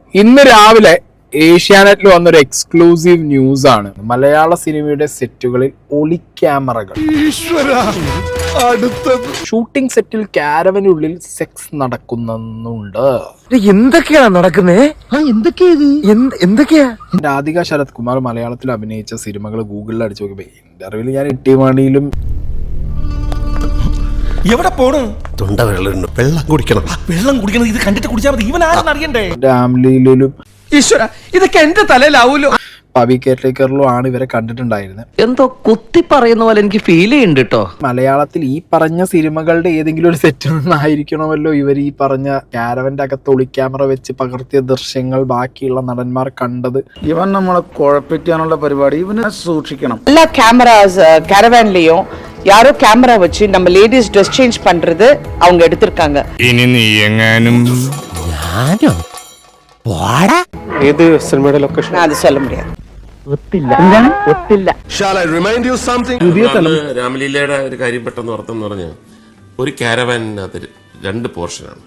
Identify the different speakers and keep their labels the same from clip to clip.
Speaker 1: ഇന്ന് രാവിലെ ഏഷ്യാനെറ്റിൽ വന്നൊരു എക്സ്ക്ലൂസീവ് ന്യൂസ് ആണ്. മലയാള സിനിമയുടെ സെറ്റുകളിൽ ഒളി ക്യാമറകൾ. ഷൂട്ടിംഗ് സെറ്റിൽ കാരവനുള്ളിൽ സെക്സ് നടക്കുന്നുണ്ട്.
Speaker 2: എന്തൊക്കെയാണ് നടക്കുന്നേ? എന്തൊക്കെയാ?
Speaker 1: രാധിക ശരത് കുമാർ മലയാളത്തിൽ അഭിനയിച്ച സിനിമകൾ ഗൂഗിളിൽ അടിച്ചു നോക്കിയപ്പോ ഇന്റർവ്യൂവിൽ ഞാൻ ഇട്ടിമണിയിലും
Speaker 3: എവിടെ പോണ്?
Speaker 4: തൊണ്ട വെള്ളം കുടിക്കണം.
Speaker 3: ഇത് കണ്ടിട്ട് കുടിച്ചാൽ മതി. ഇവൻ ആരെന്ന് അറിയണ്ടേ?
Speaker 1: രാംലീലയിലും
Speaker 3: ഈശ്വര, ഇതൊക്കെ എന്റെ തലയിലാവൂലോ.
Speaker 1: പവി കേരളീക്കറിലും ആണ് ഇവരെ കണ്ടിട്ടുണ്ടായിരുന്നത്.
Speaker 2: എന്തോ കുത്തി പറയുന്ന പോലെ എനിക്ക് ഫീൽ ചെയ്യുന്നുണ്ട് കേട്ടോ.
Speaker 1: മലയാളത്തിൽ ഈ പറഞ്ഞ സിനിമകളുടെ ഏതെങ്കിലും ഒരു സെറ്റിൽ നിന്നായിരിക്കണമല്ലോ ഇവർ ഈ പറഞ്ഞ കാരവന്റെ അകത്ത് ഒളി ക്യാമറ വെച്ച് പകർത്തിയ ദൃശ്യങ്ങൾ ബാക്കിയുള്ള നടന്മാർ കണ്ടത്.
Speaker 5: ഇവൻ നമ്മളെ കുഴപ്പിക്കാനുള്ള പരിപാടി ഇവനെ സൂക്ഷിക്കണം.
Speaker 6: எல்லா கேமராஸ் கேரவான்லயும் யாரோ கேமரா வச்சு நம்ம லேடிஸ் ட்ரெஸ் சேஞ்ச் பண்றது அவங்க எடுத்திருக்காங்க.
Speaker 7: ഇനി നീ എങ്ങാനും
Speaker 4: ഏത് സിനിമയുടെ ലൊക്കേഷൻ?
Speaker 6: நான் அது சொல்ல முடியாது.
Speaker 8: രാമലീലയുടെ ഒരു കാര്യം പെട്ടെന്ന് ഓർത്തെന്ന് പറഞ്ഞ ഒരു കാരവാനിനകത്ത് 2 പോർഷനാണ്.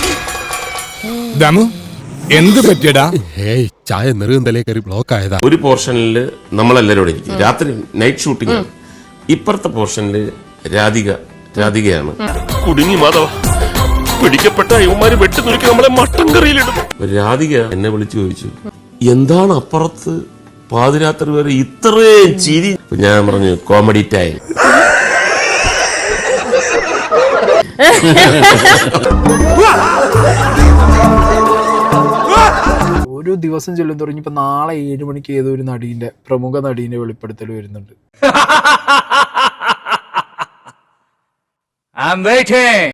Speaker 7: ദമു എന്ത് പറ്റിയടാ?
Speaker 4: ചായ നെറുകന്തലേ കയറി ബ്ലോക്ക് ആയതാ.
Speaker 8: ഒരു പോർഷനിൽ നമ്മളെല്ലാവരും ഇവിടെ ഇരിക്കും. രാത്രി നൈറ്റ് ഷൂട്ടിംഗ് ആണ്. ഇപ്പുറത്തെ പോർഷനിൽ രാധികയാണ്.
Speaker 7: കുടുങ്ങി മാധവ, പിടിക്കപ്പെട്ട ഇവന്മാര് വെട്ടി നുറുക്കി നമ്മളെ മട്ടൻ കറിയിലിടും.
Speaker 8: രാധിക എന്നെ വിളിച്ചു ചോദിച്ചു, എന്താണ് അപ്പുറത്ത് പാതിരാത്രി വരെ ഇത്രയും ചിരി? ഞാൻ പറഞ്ഞു, കോമഡി ടൈം.
Speaker 1: ഓരോ ദിവസം ചെല്ലും തുടങ്ങി. ഇപ്പൊ നാളെ 7 മണിക്ക് ഏതോ ഒരു പ്രമുഖ നടീന്റെ വെളിപ്പെടുത്തൽ വരുന്നുണ്ട്.
Speaker 3: I'm waiting.